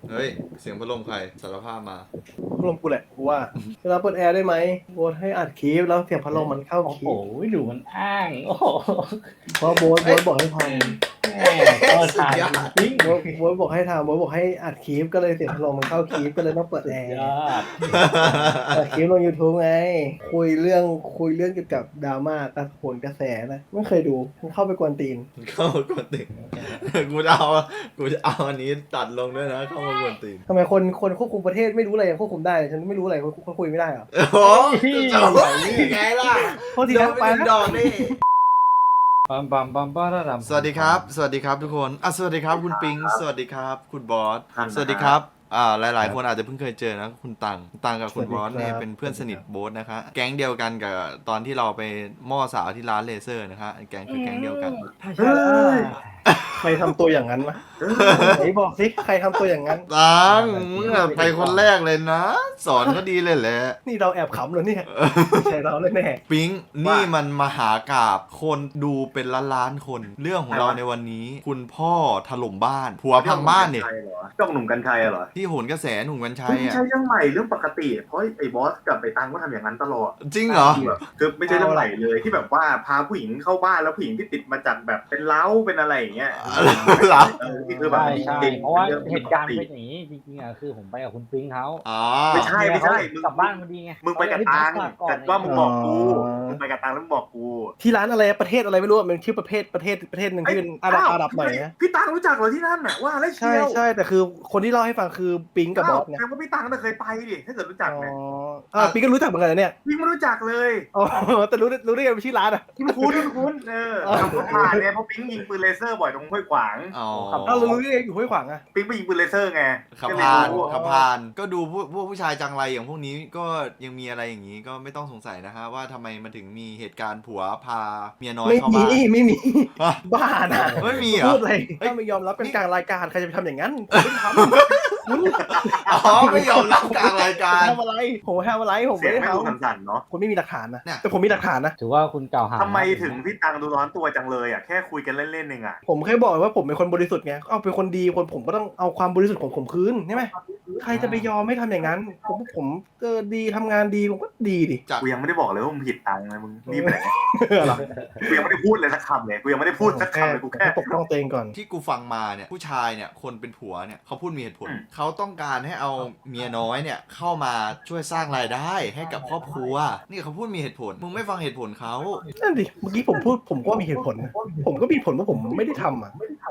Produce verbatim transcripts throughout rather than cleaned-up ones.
เฮ้ยเสียงพัดลมใครสารภาพมาพัดลมกูแหละกูว่าเวลาเปิดแอร์ได้ไหมโบสให้อัดคลิปแล้วเสียงพัดลมมันเข้าคลิปโอ้โหดูมันอ้างโอ้โหเพราะโบสโบสบอกให้ทำแม่ก็ถ่ายจริงโบสโบสบอกให้ทำโบสบอกให้อัดคลิปก็เลยเสียงพัดลมมันเข้าคลิปก็เลยต้องเปิดแอร์ยอดอัดคลิปลง YouTube ไงคุยเรื่องคุยเรื่องเกี่ยวกับดราม่ากระโผนกระแสนะไม่เคยดูมันเข้าไปกวนตีนเข้ามากวนตีนกูจะเอากูจะเอาอันนี้ตัดลงด้วยนะเข้ามากวนตีนทำไมคนคนควบคุมประเทศไม่รู้อะไรยังควบคุมได้ฉันไม่รู้อะไรคนคุยไม่ได้เหรอโอ้โหจะเอายังไงล่ะโทษทีนะไปดอกนี่ปั๊มปั๊มปั๊มปั๊มสวัสดีครับ สวัสดีครับทุกคนอ่ะสวัสดีครับคุณปิงสวัสดีครับคุณบอสครับสวัสดีครับอ่าหลายๆ คนอาจจะเพิ่งเคยเจอนะคุณตังตังกับคุณบอสเนี่ยเป็นเพื่อนสนิทโบ๊ทนะคะแก๊งเดียวกันกับตอนที่เราไปหม้อสาวที่ร้านเลเซอร์นะคะแก๊งคือแก๊งเดียวกันเฮ้ยใครทำตัวอย่างนั้นวะไหนบอกสิใครทำตัวอย่างนั้นตังมึงอะไปคนแรกเลยนะ สอนก็ดีเลยแหละนี่เราแอบขำเหรอเนี่ยไม่ใช่เราเลยแน่ปิงนี่มันมหากาบคนดูเป็นล้านล้านๆคน เรื่องของเราในวันนี้ คุณพ่อถล่มบ้านผัวพังบ้านเนี่ยจ้องหนุ่มกัญชัยเหรอที่โหนกระแสหนุ่มกัญชัไม่ยอ่ะใช่เรื่องใหม่เรื่องปกติเพราะไอ้บอสกับไอ้ตังก็ทำอย่างนั้นตลอดจริงเหรอแบบคือไม่ใช่เรื่องใหม่เลยที่แบบว่าพาผู้หญิงเข้าบ้านแล้วผู้หญิงที่ติดมาจากแบบเป็นเล้าเป็นอะไรอย่างเงี้ยเหรอเออที่คือแบบใช่ใช่จริงเพราะว่าองเหตุการณ์เป็นอย่างนี้จริงๆอ่ะคือผมไปกับคุณปิงเขาอ๋อไม่ใช่ไม่ใช่มึงกลับบ้านพอดีไงมึงไปกับตังแต่ว่ามึงบอกกูมึงไปกับตังแล้วมึงบอกกูที่ร้านอะไรประเทศอะไรไม่รู้อะมันชื่อประเทศประเทศประเทศหนึ่งที่เป็นอาหรับอาหรับหน่อยนะพี่ตังรู้จักเหรอที่นั่นน่ะว่าแล้วเชีใช่ยวใช่แต่คือคนที่เล่าให้ฟังคือปิงกับบอสไงแต่ว่าพี่ตังน่ะเคยไปดิถ้าเกิดรู้จักอ๋อเนี่ยอ่าปิงก็รู้จักเหมือนกันนะเนี่ยพี่ไม่รู้จักเลยอ๋อแต่รู้รู้ได้ไงเป็นชื่อร้านอ่ะที่คุ้นที่คุ้นเออขับรถผ่านเนี่ยเพราะปิ๊งยิงปืนเลเซอร์บ่อยตรงห้วยขวางอ๋ออ้าวเรารู้ได้ไงอยู่ห้วยขวางอ่ะปิ๊งไปยิงปืนเลเซอร์ไงขับก็เลยผ่านรู้ขับผ่านก็ดูพวกพวกผู้ชายจังไรอย่างพวกนี้ก็ยังมีอะไรอย่างนี้ก็ไม่ต้องสงสัยนะฮะว่าทำไมมันถึงมีเหตุการณ์ผัวพาเมียน้อยไม่เข้ามีบ้านไม่มีฮะบ้านะไม่มีเหรอพูดอะไรเฮ้ยถ้าไม่ยอมรับเป็นกลางรายการใครจะไปทำอย่างนั้นผมไม่ทำคุณอ๋อไม่ยอมรับกลางรายการทำอะไรผมทำอะไรผมเสีไม่ยงได้ไม่ทดูสั่นๆเนาะำผมไม่มีหลักฐานนะเนี่ยแต่ผมมีหลักฐานนะถือว่าคุณกล่าวหาทำไมถึงพี่ตังดูร้อนตัวจังเลยอ่ะแค่คุยกันเล่นๆเองอ่ะผมแค่บอกว่าผมเป็นคนบริสุทธิ์ไงเอาเป็นคนดีคนผมก็ต้องเอาความบริสุทธิ์ของผมคืนใช่ไหมใครจะไปยอมไม่ทำอย่างนั้น ผมผมเออดีทำงานดีผมก็ดีดิจากกูยังไม่ได้บอกเลยว่ามึงผิดตังเลยมึงรีบไปไหนเหรอกูยังไม่ได้พูดเลยสักคำเลยกูยังไม่ได้พูดสักคำเลยกูแค่ปกป้องตัวเองก่อนที่กูฟังมาเนี่ยผู้ชายเนี่ยคนเป็นผัวเนี่ยเขาพูดมีเหตุผลอืมเขาต้องการให้เอาเมียน้อยเนี่ยเข้ามาช่วยสร้างรายได้ให้กับครอบครัวนี่เขาพูดมีเหตุผลมึงไม่ฟังเหตุผลเขานั่นดิเมื่อกี้ผมพูดผมก็มีเหตุผลนะผมก็มีผลว่าผมไม่ได้ทำอ่ะ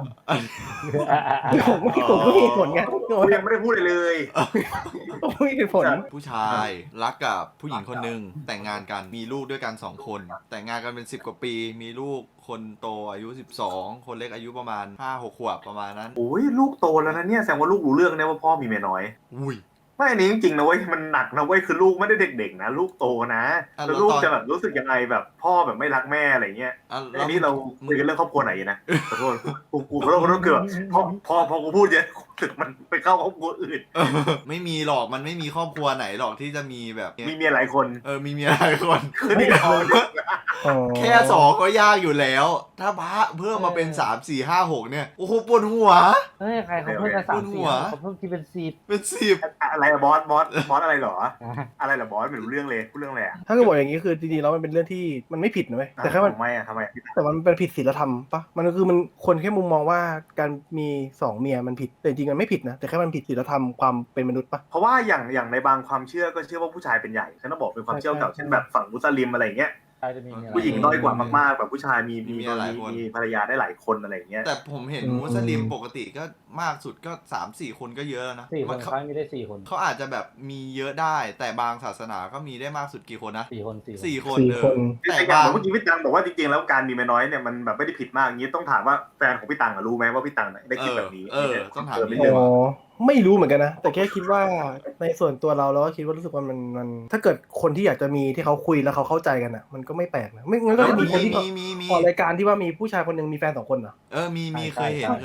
ผมก็ผมก็มีเหตุผลไงกูยังไม่ได้พูดเลยเลยผมมีเหตุผลผู้ชายรักกับผู้หญิงคนหนึ่งแต่งงานกันมีลูกด้วยกันสองคน แต่งงานกันเป็นสิบกว่าปี มีลูกคนโตอายุสิบสองคนเล็กอายุประมาณห้าหกขวบประมาณนั้นโอ้ยลูกโตแล้วนะเนี่ยแสดงว่าลูกรู้เรื่องเนี่ยว่าพ่อมีเมียน้อยอุ้ยไม่อันนี้จริงๆนะเว้ยมันหนักนะเว้ยคือลูกไม่ได้เด็กๆนะลูกโตนะอ่ะแล้วลูกแล้วตอนจะแบบรู้สึกยังไงแบบพ่อแบบไม่รักแม่อะไรเงี้ยอ่ะอันนี้เราคุยกันเรื่องครอบครัวไหนนะขอโทษกูกูขอโทษขอโทษคือแบบพอพอพอกูพูดเยอะรู้สึกมันไปเข้าครอบครัวอื่นเออไม่มีหรอกมันไม่มีครอบครัวไหนหรอกที่จะมีแบบเนี้ยมีเมียหลายคนเออมีเมียหลายคนคือนี่เขาแค่สองก็ยากอยู่แล้ว ถ้าพระเพิ่มมาเป็นสามสี่ห้าหกเนี่ยโอ้โหปวดหัวเฮ้ยใครเขาเพิ่มกันสามบนหัสี่วเขาเพิ่มที่เป็นสิบเป็นสิบอะไรอะบอสบอสบอสอะไรเหรอ อะไรเหรอบอสไม่รู้เรื่องเลยพูดเรื่องอะไรอะถ้าเกิดบอกอย่างนี้คือจริงๆแล้วมันเป็นเรื่องที่มันไม่ผิดนะเว้ยแต่แค่มันทำไมอะทำไมอะแต่มันเป็นผิดศีลธรรมปะมันก็คือมันคนแค่มุมมองว่าการมีสองเมียมันผิดแต่จริงๆมันไม่ผิดนะแต่แค่มันผิดศีลธรรมความเป็นมนุษย์ปะเพราะว่าอย่างอย่างในบางความเชื่อก็เชื่อว่าผู้ชายเป็นใหญ่ฉันต้องบอกเป็นความเชื่อเก่าเช่นแบบฝั่งมุสลิมอะไรเงี้ยใครจะมีเมียผู้หญิงน้อยกว่ามากๆแบบผู้ชายมีมีมีเมียหลายคนมีภรรยาได้หลายคนอะไรเงี้ยแต่ผมเห็นมุสลิมปกติก็มากสุดก็สามสี่คนก็เยอะแล้วนะสี่คมัน นเขาครั้งมีได้สี่คนเขาอาจจะแบบมีเยอะได้ แต่บางศาสนาก็มีได้มากสุดกี่คนนะสี่คนสี่คนสี่คนสี่เอคอน แต่แต่อย่าบาง งเมื่อกี้พี่ตังบอกว่าจริงๆแล้วการมีเมียน้อยเนี่ยมันแบบไม่ได้ผิดมากอย่างนี้ต้องถามว่าแฟนของพี่ตังอะรู้ไหมว่าพี่ตังได้คิดแบบนี้เออเออต้องถามเออไม่นิดนึเรื่องอ๋อไม่รู้เหมือนกันนะแต่แค่คิดว่าในส่วนตัวเราเราก็คิดว่ารู้สึกว่ามันมันถ้าเกิดคนที่อยากจะมีที่เขาคุยแล้วเขาเข้าใจกันอ่ะมันก็ไม่แปลกนะไม่งั้นก็จะมีคนที่มีมีมีออกรายการที่ว่ามีผู้ชายคนหนึ่งมีแฟนสองคนเหรอเออมีมีเคยเห็นเคยใช่เห็ปะน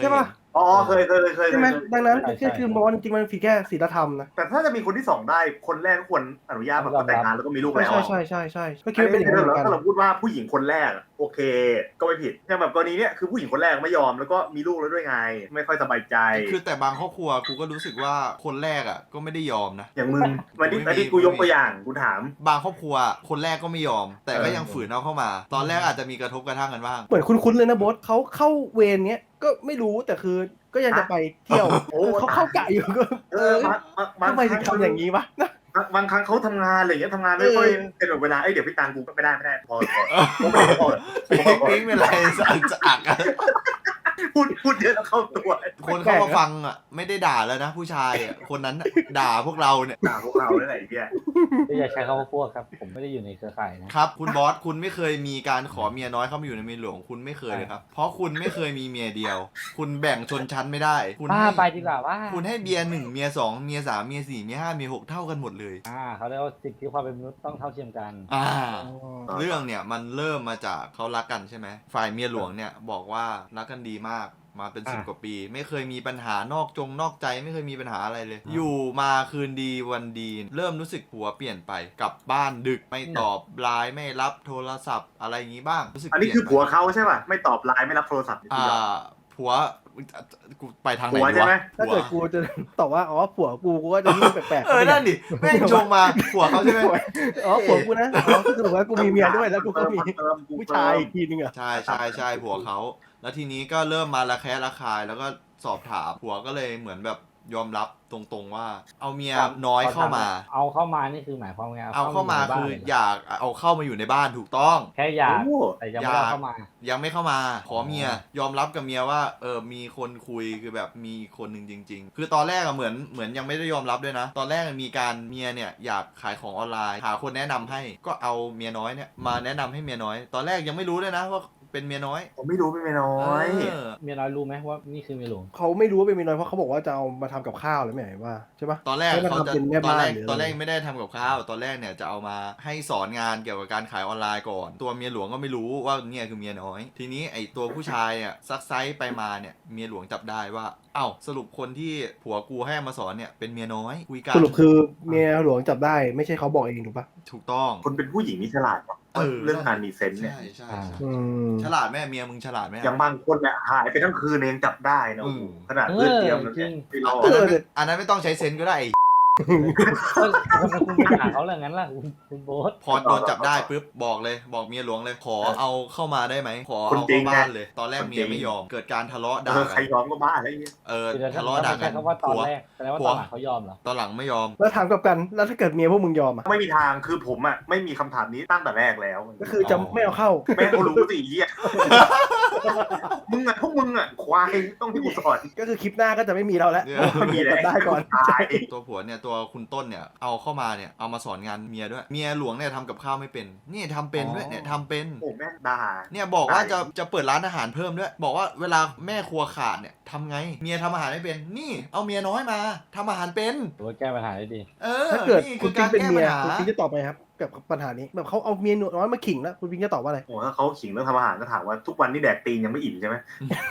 อ๋อเคยเคยเคยใช่ไหมเคยดังนั้นใช่ก็คือมองว่าจริงๆมันผิดแค่ศีลธรรมนะแต่ถ้าจะมีคนที่สองได้คนแรกก็ควรอนุญาตแบบแต่งงานแล้วก็มีลูกใช่แล้วใช่อะใช่ใช่ใช่ก็คิดว่าเป็นอย่างนั้นเหมือนกันถ้าเราพูดว่าผู้หญิงคนแรกอะโอเค ก็ไม่ผิดอย่างแบบกรณีเนี้ยคือผู้หญิงคนแรกไม่ยอมแล้วก็มีลูกแล้วด้วยไง ไม่ค่อยสบายใจคือแต่บางครอบครัวกูก็รู้สึกว่าคนแรกอ่ะก็ไม่ได้ยอมนะอย่างมึงวันนี้ไม่มีวันนี้กูยกตัวอย่างกูถามบางครอบครัวคนแรกก็ไม่ยอม แต่ก็ยังฝืนเอาเข้ามา ตอนแรกอาจจะมีกระทบกระทั่งกันบ้างเหมือนคุ้นๆเลยนะโบสเขาเข้าเวรเนี้ยก็ไม่รู้แต่คือก็ยังจะไปเที่ยวโอ้เออเขาเข้ากะอยู่ก็เออบางบางบางทำไมถึงทำอย่างนี้วะนะบางบางครั้งเขาทำงานอะไรอย่างเงี้ยทำงานไม่ค่อยเออเป็นแบบเวลาเอ้ยเดี๋ยวพี่ตังกูก็ไม่ได้ไม่ได้พอพอไม่ได้พอปิ๊งปิ๊งเป็นไรสะอักสะอักอะพูดพูดเยอะแล้วเข้าตัวคนเข้ามาฟังอ่ะไม่ได้ด่าแล้วนะผู้ชายอ่ะคนนั้นน่ะด่าพวกเราเนี่ยด่าพวกเราได้ไหนเพี่ยก็อย่าใช้คำว่าพวกครับ ผมไม่ได้อยู่ในเครือข่ายนะครับคุณบอสคุณไม่เคยมีการขอเมียน้อยเข้ามาอยู่ในเมียหลวงคุณไม่เคยเลยครับ เพราะคุณไม่เคยมีเมียเดียว คุณแบ่งชนชั้นไม่ได้คุณป้าให้ไปดีกว่าว่าคุณให้เมียหนึ่งเมียสองเมียสามเมียสี่เมียห้าเมียหกเท่ากันหมดเลยอ่าเขาเรียกว่าสิทธิความเป็นมนุษย์ต้องเท่าเทียมกันอ่า เรื่องเนี่ยมันเริ่มมาจากเขารักกันใช่ไหมฝ่ายเมียหลวงเนี่ยบอกว่ารักกันดีมากมาเป็นสิบอ่ะกว่าปี ไม่เคยมีปัญหานอกจงนอกใจไม่เคยมีปัญหาอะไรเลย อยู่มาคืนดีวันดี เริ่มรู้สึกผัวเปลี่ยนไปกลับบ้านดึกไม่ตอบไลน์ไม่รับโทรศัพท์อะไรอย่างนี้บ้างรู้สึกอันนี้เปลี่ยคือผัวเขาใช่ป่ะไม่ตอบไลน์ไม่รับโทรศัพท์อ่าผัวกูไปทางไหนผัวดีใช่ไหมวะถ้าเกิดผัวกูจะตอบว่าอ๋อผัวกูกูก็จะยิ่งแปลกๆเออนั่นดิแม่งชงมาผัวเขาใช่ไหมอ๋อผัวกูนะอ๋อสรุปว่ากูมีเมียด้วยแล้วกูก็มีเติมกูผู้เติมชายอีกทีนึงอ่ะใช่ใช่ใช่ผัวเขา แล้วทีนี้ก็เริ่มมาระแคะระคายแล้วก็สอบถามผัวก็เลยเหมือนแบบยอมรับตรงๆว่า เอาเมียน้อยเข้ามาเอาเข้ามานี่คือหมายความไงเอาเข้ามาบ้นคือลเหรอยากเอาเข้ามาอยู่ในบ้านถูกต้องแค่อยากโอ้แต่ยังไม่ได้เข้ามายังไม่เข้ามาขอเมียยอมรับกับเมียว่าเออมีคนคุยคือแบบมีคนหนึ่งจริง ๆ คือตอนแรกอะเหมือนเหมือนยังไม่ได้ยอมรับด้วยนะ ตอนแรกมีการเมียเนี่ยอยากขายของออนไลน์หาคนแนะนำให้ก็เอาเมียน้อยเนี่ยมาแนะนำให้เมียน้อย ตอนแรกยังไม่รู้ด้วยนะว่าเป็นเมียน้อยผมไม่รู้เป็นไม่น้อยเออเมียน้อยรู้ไหมว่านี่คือเมียหลวงเขาไม่รู้ว่าเป็นเมียน้อยเพราะเขาบอกว่าจะเอามาทำกับข้าวหรือไม่ไหนว่าใช่ปะตอนแรกให้มันเขาจะทำเป็นแม่ตอนบ้านแรกหรืออะไรตอนแรกไม่ได้ทำกับข้าวตอนแรกเนี่ยจะเอามาให้สอนงานเกี่ยวกับการขายออนไลน์ก่อน ตัวเมียหลวงก็ไม่รู้ว่าเนี่ยคือเมียน้อย ทีนี้ไอตัวผู้ชายเนี่ยซักไซส์ไปมาเนี่ยเมียหลวงจับได้ว่าเอ้าสรุปคนที่ผัวกูให้มาสอนเนี่ยเป็นเมียน้อยคุยกันสรุปคือเมียหลวงจับได้ไม่ใช่เขาบอกเองถูกปะถูกต้องคนเป็นผู้หญิงนี่ฉลาดว่ะเออเรื่องการมีเซนส์เนี่ยใช่ใช่อ่าใช่อืมฉลาดแม่เมียมึงฉลาดไหมอย่างบางคนเนี่ยหายไปทั้งคืนเองจับได้นะโอ้โหอืมขนาดเพื่อนเตรียมแล้วเนี่ยไม่รออันดนั้นไม่อันนั้นไม่ต้องใช้เซนส์ก็ได้ไอ้ก็ทำไมคุณไปด่าเขาเรื่องนั้นล่ะคุณคุณโบ๊ทพอโดนจับได้ปุ๊บบอกเลยบอกเมียหลวงเลยขอเอาเข้ามาได้ไหมขอคนเอาจริเข้าง บ้านไงเลย ตอนแรกคนจริงเมียไม่ยอมเกิดการทะเลาะเอด่าอใครกันยอมก็บ้าอะไรเงี้ยเออคือถ้าทะเลาะด่ากันใช้คำว่าตอนผัวแรกแสดงว่าผัวตอนหลังเขายอมเหรอตอนหลังไม่ยอมแล้วถามกลับกันแล้วถ้าเกิดเมียพวกมึงยอมอ่ะไม่มีทางคือผมอ่ะไม่มีคำถามนี้ตั้งแต่แรกแล้วก็คือจะไม่เอาเข้าแม่งก็รู้สิเหี้ยมึงอ่ะพวกมึงอ่ะควายต้องที่กูสอนก็คือคลิปหน้าก็จะไม่มีเราแล้วเนี่ยเพราะมันมีมีแล้วได้ก่อนตายตัวผัวเนี่ยตัวคุณต้นเนี่ยเอาเข้ามาเนี่ยเอามาสอนงานเมียด้วยเมียหลวงเนี่ยทำกับข้าวไม่เป็นนี่ทำเป็นด้วยเนี่ยทำเป็นโอ้แม่งด่าเนี่ยบอกว่าได้จะจะเปิดร้านอาหารเพิ่มด้วย บอกว่าเวลาแม่ครัวขาดเนี่ยทำไงเมียทำอาหารไม่เป็น นี่เอาเมียน้อยมาทำอาหารเป็นถือว่าแก้ปัญหาได้ดีเออถ้าเกิดนี่คุคืณอปิกาง รเป็นแก้เมีปัยญหาคุณปิงจะตอบไหมครับกับปัญหานี้แบบเขาเอาเมียน้อยมาขิงแล้วคุณปิงจะตอบว่าอะไรโอ้ถ้าเขาขิงเรื่องทำอาหารก็ถามว่าทุกวันนี้แดกตีนยังไม่อิ่มใช่ไหม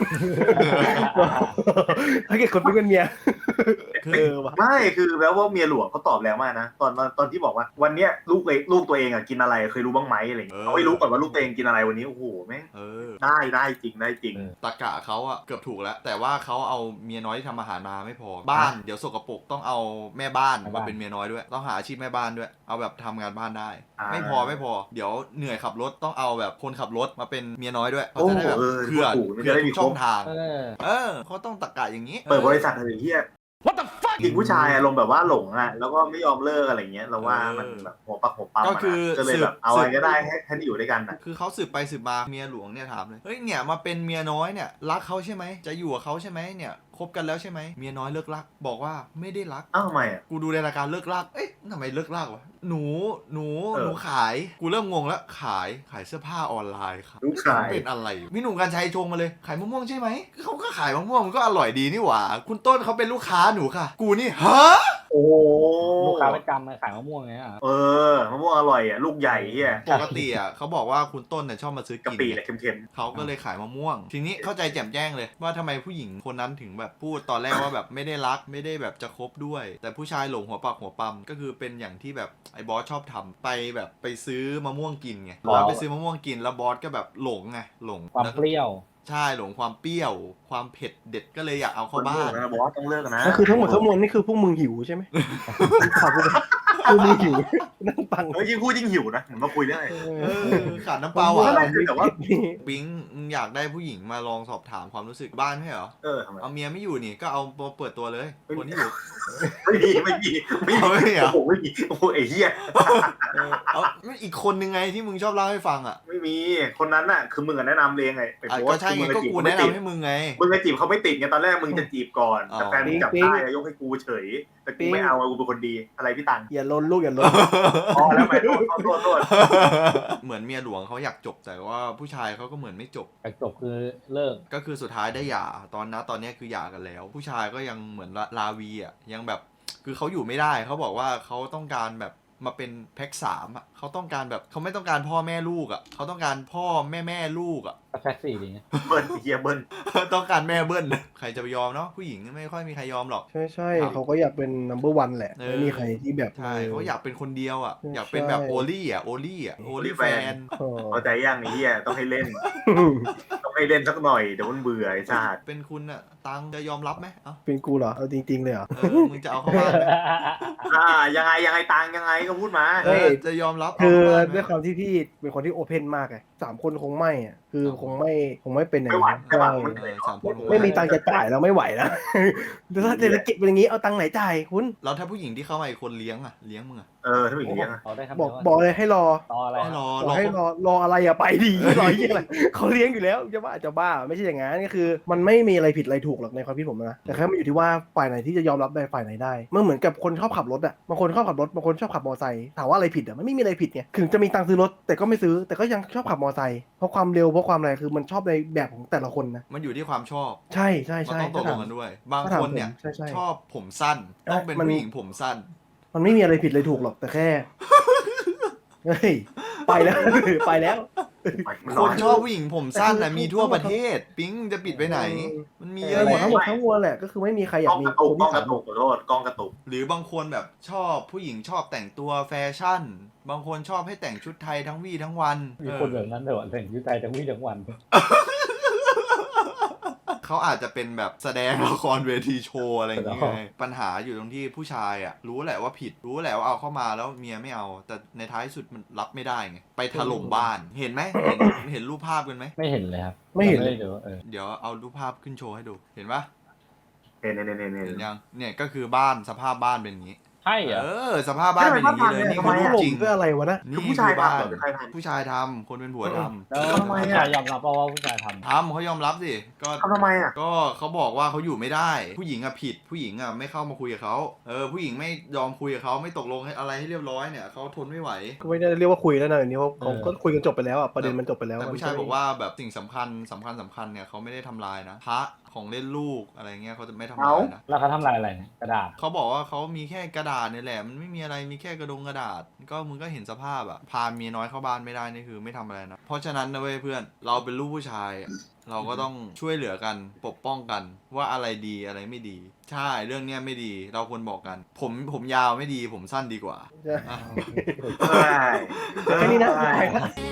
ถ้าเกิดคนปิงเป็นเมียคือเออว่ะไม่คือแล้วว่าเมียหลวงเขาตอบแล้วมากนะตอนตอนตอนที่บอกว่าวันเนี้ยลูกเองลูกตัวเองอ่ะกินอะไรเคยรู้บ้างไหมอะไรอย่างเงี้ยเอาให้รู้ก่อนว่าลูกตัวเองกินอะไรวันนี้โอ้โหแม่งเออได้ได้จริงได้จริงเออตะกะเขาอะเกือบถูกแล้ว แต่ว่าเขาเอาเมียน้อยที่ทำอาหารมาไม่พอ บ้านเดี๋ยวสกปรกต้องเอาแม่บ้านแม่มาบ้านเป็นเมียน้อยด้วย ต้องหาอาชีพแม่บ้านด้วย เอาแบบทำงานบ้านได้อ่าไม่พอไม่พอ เดี๋ยวเหนื่อยขับรถต้องเอาแบบคนขับรถมาเป็นเมียน้อยด้วยเขาโอ้จะได้แบบเออเผื่อถูกมันเผื่จะอได้ทุมีกครช่อบ งทางเออเออเขาต้องตะกะอย่างนี้เปิดบริษัทอะไรเฮีย What the fuck จริงผู้ชายอารมณ์แบบว่าหลงอ่ะแล้วก็ไม่ยอมเลิกอะไรเงี้ยเราว่าเออมันแบบหัวปักหัวปั๊มก็คืออะนะก็เลยแบบสืบเอาอะไรสืบก็ได้ให้ให้ได้อยู่ด้วยกันอ่ะคือเขาสืบไปสืบมาเมียหลวงเนี่ยถามเลยเฮ้ยเนี่ยมาเป็นเมียน้อยเนี่ยรักเขาใช่ไหมจะอยู่กับเขาใช่ไหมเนี่ยคบกันแล้วใช่ไหมเมียน้อยเลิกรักบอกว่าไม่ได้รักอ้าวทำไมอ่ะกูดูในรายการเลิกลาก เอ๊ะทำไมเลิกลากวะ หนู หนูเออหนูขาย กูเริ่มงงแล้ว ขาย ขายเสื้อผ้าออนไลน์ครับลูกชายเป็นอะไร พี่หนุ่มกัญชัยชงมาเลย ขายมะม่วงใช่ไหมเขาก็ขายมะม่วงมันก็อร่อยดีนี่หว่า คุณต้นเขาเป็นลูกค้าหนูค่ะ กูนี่ ฮะโอ้โหลูกค้าประจำมาขายมะม่วงไงอ่ะเออมะม่วงอร่อยอ่ะลูกใหญ่เฮียปกติอ่ะเขาบอกว่าคุณต้นเนี่ยชอบมาซื้อกะกินปิไงเนี่ยเค็มเขาก็เลยขายมะม่วง ทีนี้เข้าใจแจ่มแจ้งเลยว่าทำไมผู้หญิงคนนั้นถึงแบบพูดตอนแรกว่าแบบไม่ได้รักไม่ได้แบบจะคบด้วย แต่ผู้ชายหลงหัวปักหัวปั๊มก็คือเป็นอย่างที่แบบไอ้บอสชอบทำไปแบบไปซื้อมะม่วงกินไงแล้วไปซื้อมะม่วงกินแล้วบอสก็แบบหลงไงหลงความแล้วเปรี้ยวใช่หลงความเปรี้ยว ความเผ็ดเด็ดก็เลยอยากเอาๆเข้าบ้านนะบอสต้องเลิกนะก็คือทั้งหมดทั้งมวลนี่คือพวกมึงหิวใช่ไหมข่าวพวกมึงคือมึงหิวนั่งฟังเฮ้ยยิ่งพูดยิ่งหิวนะเหมือนมาคุยเรื่องอะไรเออขาดน้ำเปล่าไม่อ่ะไม่คือแต่ว่าปิ๊งมึงอยากได้ผู้หญิงมาลองสอบถามความรู้สึกบ้านไม่ใช่เหรอเออทำไมเอาเมียไม่อยู่นี่ก็เอาเปิดตัวเลย คนที่อยู่ไม่มีไม่มีไม่เอาไม่มีเหรอโอ้โหไม่มีโอ้โหไอ้เหี้ยเออเอาอีกคนนึงไงที่มึงชอบเล่าให้ฟังอ่ะไม่มีคนนั้นน่ะคือมึงอะแนะนำเองไงไอ้อ่ะโพก็สต์ใช่ไงมึก็จีบกูเขาไม่แนะติดนำให้มึงไงมึงจะจีบเขาไม่ติดไงตอนแรกมึงจะจีบก่อนอ๋อแต่แฟนมึงจับได้ยกให้กูเฉยแต่กูไม่เอาอะกูเป็นคนดีอะไรพี่ตังอย่าลนลูกอย่าลนอ๋อแล้วไปโทษโทษโทษโทษเหมือนเมียหลวงเขาอยากจบแต่ว่าผู้ชายเขาก็เหมือนไม่จบแต่จบคือเลิกก็คือสุดท้ายได้หย่าตอนนั้นตอนเนี้ยคือหย่ากันแล้ว ผู้ชายก็ยังเหมือนลาวีอ่ะยังแบบคือเขาอยู่ไม่ได้เขาบอกว่าเขาต้องการแบบมาเป็นแพ็กสามอ่ะเขาต้องการแบบเขาไม่ต้องการพ่อแม่ลูกอ่ะเขาต้องการพ่อแม่แม่ลูกอ่ะก็แท็กซี่ดีเบิ้ลเฮียเบิ้ลต้องการแม่เบิ้ลใครจะไปยอมเนาะผู้หญิงไม่ค่อยมีใครยอมหรอกใช่ใช่ครับเขาก็อยากเป็น number one แหละเออไม่มีใครที่แบบใช่เขาอยากเป็นคนเดียวอ่ะใช่อยากเป็นแบบโอลี่อ่ะโอลี่อ่ะโอลี่แฟนเออเข้าใจยังไอ้เหี้ยต้องให้เล่น ต้องให้เล่นสักหน่อยเดี๋ยวมันเบื่อไอ้ชาติเป็นคุณอ่ะตังจะยอมรับไหมเอ้าเป็นกูเหรอเอาจริงๆเลยเหรอเออมึงจะเอาเข้าบ้านไหมอ่ายังไงยังไงตังยังไงก็พูดมาเออจะยอมรับคือเาเข้าบ้านไหมด้วยความที่พี่เป็นคนที่โอเพนมากไงสามคนคงไม่อะคือคงไม่คงไม่เป็นอย่างไม่ไหวนั้นใช่ปะใช่มันเออสามคนไม่มีตังค์จะจ่ายแล้วไม่ไหวแล้ว ถ้าเศรษฐกิจเป็นอย่างนี้เอาตังค์ไหนจ่ายคุณแล้วถ้าผู้หญิงที่เข้ามาอีกคนเลี้ยงอ่ะเลี้ยงมึงอ่ะเออถ้าเป็นอย่างนี้ยเขาได้คำบเดีอย กวว่าบอกเลยให้รอต่ออะไรให้รอบรออกให้รอรออะไรอะไปดี รอยี่อะไรเขาเลี้ยงอยู่แล้วจะบ้าจะบ้าไม่ใช่อย่างนั้นก็คือ มันไม่มีอะไรผิดอะไรถูกหรอกในความคิดผมนะแต่แค่มันอยู่ที่ว่าฝ่ายไหนที่จะยอมรับได้ฝ่ายไหนได้มันเหมือนกับคนชอบขับรถอะบางคนชอบขับรถบางคนชอบขับมอเตอร์ไซค์ถามว่าอะไรผิดอะมันไม่มีอะไรผิดไงถึงจะมีตังค์ซื้อรถแต่ก็ไม่ซื้อแต่ก็ยังชอบขับมอเตอร์ไซค์เพราะความเร็วเพราะความอะไรคือมันชอบในแบบของแต่ละคนนะมันอยู่ที่ความชอบใช่ใช่มันใช่ต้องตกลงกันด้วย บางถ้าถามคนเนี่ยผมใช่ใช่ชอบผมสั้น ต้องเป็นมันผู้หญิงผมสั้นมันไม่มีอะไรผิดเลยถูกหรอกแต่แค่ เฮ้ยไปแล้ว ไปแล้วมันคนน้อยชอบผู้หญิงผมสั้นแต่นะคือมีทั่วประเทศ ปิ๊งจะปิดไปไหนเออมันมีเอเยออะหมดแยะทั้งหมดทั้งมวลแหละก็คือไม่มีใครอยากมีกล้องกระตุกกล้องกคนที่ถาระมตุกขอโทษกล้องกระตุกหรือบางคนแบบชอบผู้หญิงชอบแต่งตัวแฟชั่น บางคนชอบให้แต่งชุดไทยทั้งวี่ทั้งวันมีคนแบบนั้นแต่ว่าแต่งยุทธไทยทั้งวี่ทั้งวันเขาอาจจะเป็นแบบแสดงละครเวทีโชว์อะไรอย่างเงี้ยอ๋อไงปัญหาอยู่ตรงที่ผู้ชายอ่ะรู้แหละว่าผิดรู้แหละว่าเอาเข้ามาแล้วเมียไม่เอา แต่ในท้ายสุดมันรับไม่ได้ไงไปถล่มบ้านเห็นไหมเห็นเห็นรูปภาพกันไหมไม่เห็นเลยครับไม่เห็นเลเลย ยเดี๋ยวเออเดี๋ยวเอารูปภาพขึ้นโชว์ให้ดูเห็นปะเน่เน่เน่เน่เน่เห็นยังเนี่ยก็คือบ้านสภาพบ้านเป็นอย่างนี้ใช่เหรเอออสภาพบ้านเป็นอย่างนี้เลยนี่คือรูปจริงเพื่ออะไรวะนะนี่คือผู้ชายบ้าทำนเหรอหรือใครทำผู้ชายทำคนเป็นผัวทำแล้วทำไมอะผู้ชายยอมรับเปล่าว่าผู้ชายทำทำเขายอมรับสิก็ทำทำไมอ่ะก็เขาบอกว่าเขาอยู่ไม่ได้ ผู้หญิงอะผิด ผู้หญิงอะไม่เข้ามาคุยกับเขาเออผู้หญิงไม่ยอมคุยกับเขาไม่ตกลงให้อะไรให้เรียบร้อยเนี่ยเขาทนไม่ไหวก็ไม่ได้เรียกว่าคุยแล้วนะอันนี้ว่าเขาก็คุยกันจบไปแล้วอ่ะประเด็นมันจบไปแล้วแต่ผู้ชายบอกว่าแบบสิ่งสำคัญสำคัญสำคัญเนี่ยเขาไม่ได้ทำลายนะพระของเล่นลูกอะไรเงี้ยเขาจะไม่ทำลายนะแล้วเขาทำลายอะไรเนี่ยกระดาษเขาบอกว่าเขามีแค่กระดาษเนี่ยแหละมันไม่มีอะไรมีแค่กระดงกระดาษ ก็มึงก็เห็นสภาพอะพาเมียน้อยเข้าบ้านไม่ได้นี่คือไม่ทำอะไรนะเพราะฉะนั้นนะเว้ยเพื่อนเราเป็นลูกผู้ชายอะเราก็ต้องช่วยเหลือกันปกป้องกันว่าอะไรดีอะไรไม่ดี ใช่เรื่องเนี้ยไม่ดีเราควรบอกกัน ผมผมยาวไม่ดีผมสั้นดีกว่าใช่อ่ะเฮ้ยแค่นี้นะเฮ้ยไปละ